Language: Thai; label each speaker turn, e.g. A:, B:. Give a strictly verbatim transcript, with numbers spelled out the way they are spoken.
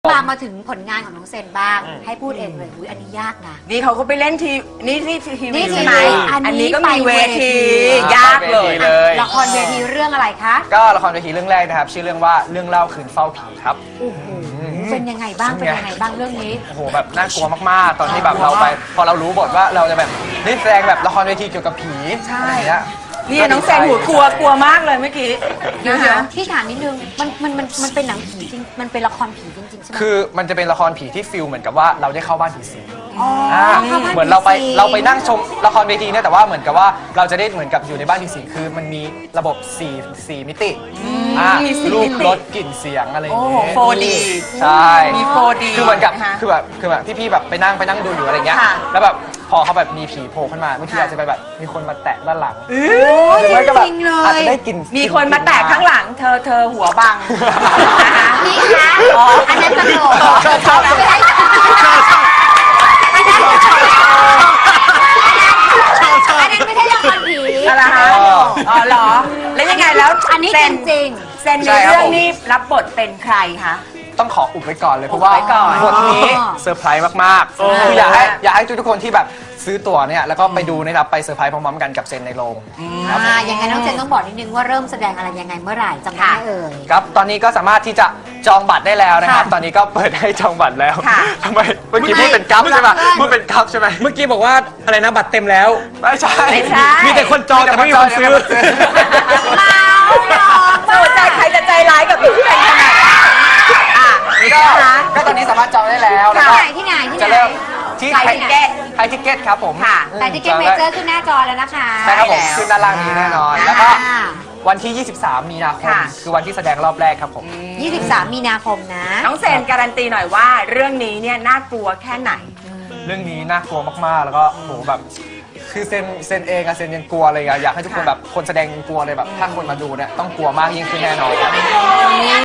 A: มามาถึงผลงานของน้องเซนบ้าง ให้พูดเองเลยอุ๊ยอันนี้ยากนะ
B: นี่เขาก็ไปเล่นทีนี่ที่ที
A: นี่
B: วี
A: ทีวี
B: ใช่ไหม
A: อันนี้
B: อันนี้ก็มีเวที
A: ไปเวที
B: ยากเลย
C: เลย
A: ละครเวทีเรื่องอะไรคะ
C: ก็ละครเวทีเรื่องแรกนะครับ ชื่อเรื่องว่าเรื่องเล่าคืนเฝ้าผีครับ
A: โอ้โหเป็นยังไงบ้างเป็นยังไงบ้างเรื่องนี้
C: โอ้โหแบบน่ากลัวมากๆ ตอนที่แบบเราไป พอเรารู้บทว่าเราจะแบบได้แสดงแบบละครเวทีเกี่ยวกับผี
B: ใช่
C: อะไรเงี้ย
B: นี่น้องเซนหัวกลัวกลัวมากเลยเมื่อกี้
A: เดี๋ยว
B: นะคะ
A: พี่ถามนิดนึงมันมันมันมันเป็นหนังผีจริงมันเป็นละครผีจริงๆใช่ไหม
C: คือมันจะเป็นละครผีที่ฟิลเหมือนกับว่าเราได้เข้าบ้านผีสิง
A: อ๋อ
C: อ่า
A: เข้าบ้าน
C: เหมือนเราไป
A: ผีสิง
C: เราไปนั่งชมละครเวทีเนี่ยแต่ว่าเหมือนกับว่าเราจะได้เหมือนกับอยู่ในบ้านผีสิงคือมันมีระบบสี่สี่มิติอ่า
B: มีสี่
C: รู
B: มิ
C: ป
B: ติ
C: รสกลิ่นเสียงอะไรอย่าง
B: โอ้
C: เงี้ย
B: โห โฟร์ดี
C: ใช่
B: มี โฟร์ดี
C: คือเหมือนกับ
B: นะคะ
C: คือแบบคือแบบพี่ๆแบบไปนั่งไปนั่งดูอยู่อะไรเงี้ย
B: ค่ะ
C: แล้วแบบพอเขาแบบมีผีโผล่ขึ้นมาบางที
B: ค่ะ
C: อาจจะไปแบบมีคนมาแตะด้านหลัง
A: โอ้ย
C: หรือไม่ก็แบบ
A: จริงๆเล
C: อาจ
A: ย
C: จะได้กลิ่น
B: มีคนมาแตะข้างหลัง เธอเธอหัวบังนะคะ
A: นี่คะอันนั้นตลก
B: เธอชอบแล้ว
A: อันนั้นไม่ใช่อันนั้นไม่ใช่ละครผี
B: อะไรคะอ๋อเหรอ แล้วยังไงแล้ว
A: อันนี้
B: เซ
A: จริง
B: เซนในเรื่องนี้รับบทเป็นใครคะ
C: ต้องขออุบไว้ก่อนเลยเพราะว่า
B: อุบไว้ก่อน
C: บทนี้เซอร์ไพรส์มากๆคืออยากให้อยากให้ทุกๆคนที่แบบซื้อตั๋วเนี่ยแล้วก็ไปดูนะครับไปเซอร์ไพรส์พร้อมๆกันกับเซนในโรง
A: ๆอ่ายังไงน้องเจนต้องบอกนิดนึงว่าเริ่มแสดงอะไรยังไงเมื่อไหร่จำได้ไหมเอ่ย
C: ครับตอนนี้ก็สามารถที่จะจองบัตรได้แล้วนะครับ
A: ค่ะ
C: ตอนนี้ก็เปิดให้จองบัตรแล้ว
B: ค่ะ
C: ทำไมเมื่อกี้พูดเป็นกัฟใช่ไหมพูดเป็นกัฟใช่ไหม
D: เมื่อกี้บอกว่าอะไรนะบัตรเต็มแล้ว
C: ไม่ใช่
B: ไม่ใช่
D: มีแต่คนจองแต่ไม่มีคนซื้อ
A: เมาหรอก
B: โอ้ใจใครจะใจร้ายกับพี่เป็นขนาดนั้นอ่ะ
C: ก็
B: นะคะ
C: ก็ตอนนี้สามารถจองได้แล้วแล้ว
A: ที่
C: ก็
A: ไหนที่ไหนที่
C: จะ
A: ไหน
C: เริ่มที่
B: ไทยทิเก็ต
C: ไทยทิเก็ตครับผม
B: ค่ะ
C: อืม
A: แต่ที่เก็ตเมเจอร์ขึ้นหน้าจอแล้วนะคะ
C: ใช่ครับผม
B: ได้แล้ว
C: ขึ้นด้านล่างนี้แน่นอน
A: อ่า
C: แล้วก็วันที่ ยี่สิบสาม มีนาคม
B: ค่ะ
C: คือวันที่แสดงรอบแรกครับผม
A: ยี่สิบสามมีนาคมนะ
B: น้องเซนการันตีหน่อยว่า เรื่องนี้เนี่ยน่ากลัวแค่ไหน
C: เรื่องนี้น่ากลัวมากๆ แล้วก็โหแบบ คือเซนเซนเองอะเซนยังกลัวเลยอะอยากให้ทุกคน
B: ค่ะ
C: แบบคนแสดงยังกลัวเลยแบบถ้าคนมาดูเนี่ยต้องกลัวมากยิ่งขึ้นแน่นอนครับ